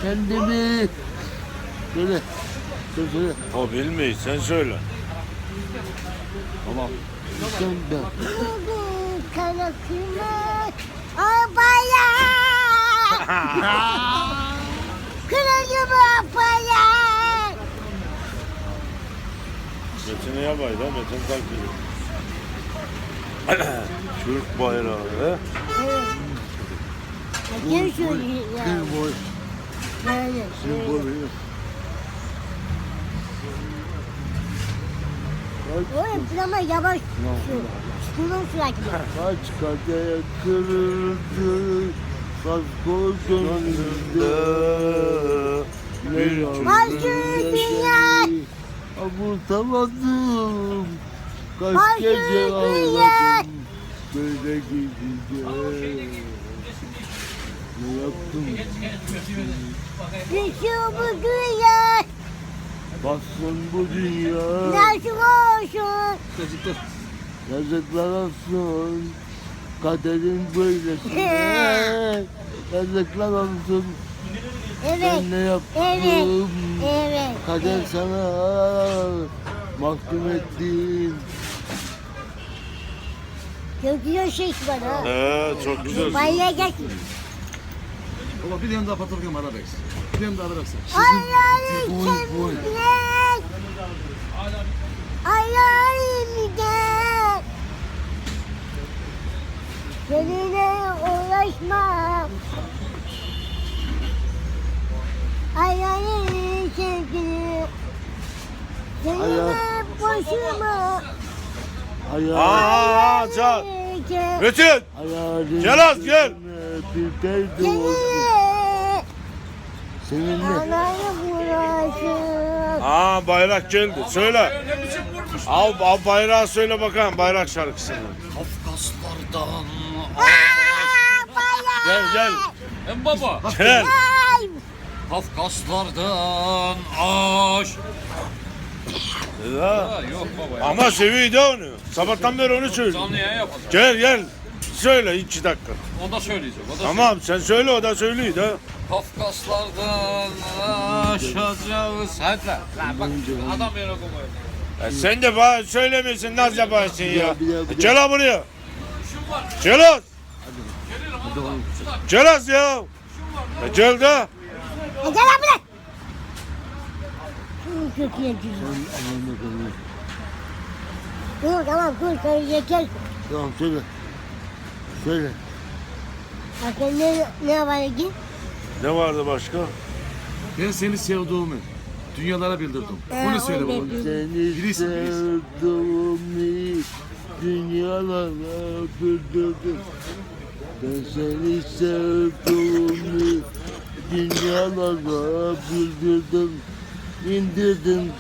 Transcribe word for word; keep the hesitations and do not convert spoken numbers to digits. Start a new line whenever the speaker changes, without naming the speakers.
kendimi. Söyle. Söyle söyle.
O bilmeyiz, sen söyle.
Tamam. Sen de.
Kana kırmak arabaya. Kıracağım arabaya.
Metin'e yapay da Metin takdir. Türk bayrağı he?
Kim söylüyor ya?
Kır boy.
Yani.
Kır boy benim.
Oğlum ama yavaş. Kulun sürekli.
Kaç kadeh kırıldı. Kasko gönlümde.
Bir
Başka dünya.
Avutamadım. Kaç
Başka
gece
dünya.
ağladım. Böyle gideceğim. Ne yaptım?
Düşüyor bu dünya.
Bassın bu dünya.
Nasıl olsun?
Yazıklar olsun. Kaderin böylesine. Yazıklar olsun.
Evet.
Ben ne yaptım?
Evet. Evet.
Kader
evet.
sana mahkum ettim.
Çok güzel şey var ha.
He, çok güzel.
Bayıya gel.
Baba bir tane daha patlatayım Arabex. Bir tane daha Arabex.
Ayağını
boy, boy.
çemkirek. Ayağını gel. Seninle uğraşmam. Ayağını çemkirek. Seninle
Ayağı-
boşuma.
Ayağı,
Aa, çal. Metin!
ayağı,
Gel az, gel.
Bir perde olsun.
Seninle.
Seninle.
Anayı uğraşım.
Aa, bayrak geldi. Söyle. Al, al bayrağı söyle bakalım, bayrak şarkısını.
Kafkaslardan
Gel gel.
Hem baba.
Gel.
Ay.
Kafkaslardan aş.
Ya.
Ha, yok baba ya.
Ama seviyor da onu. Sabahtan beri onu söylüyor.
Canlı yayın yapalım.
Gel gel. Söyle iki dakika.
O da söyleyeceğim. O da
Tamam sen söyle, o da söylüyor da.
Kafkaslardan aşacağız. Hadi lan. Lan bak adam yere koyuyor.
Ya sen de bana söylemiyorsun, naz yaparsın ya.
Bir daha, bir daha, bir
Gel ha buraya. Gel az. Gel az ya. Ya gel de.
E, Gel lan buraya. Şunu çok yiyeceğim.
Aman bakalım.
Dur tamam dur sen yeter.
Tamam söyle. Söyle.
Bakın ne, ne var ki?
Ne vardı başka?
Ben seni sevdiğimi dünyalara bildirdim.
Ee,
Bunu söyle
o
baba.
da-
Seni
Birisi, birisi.
sevdiğimi dünyalara bildirdim. Ben seni sevdiğimi dünyalara bildirdim. İndirdim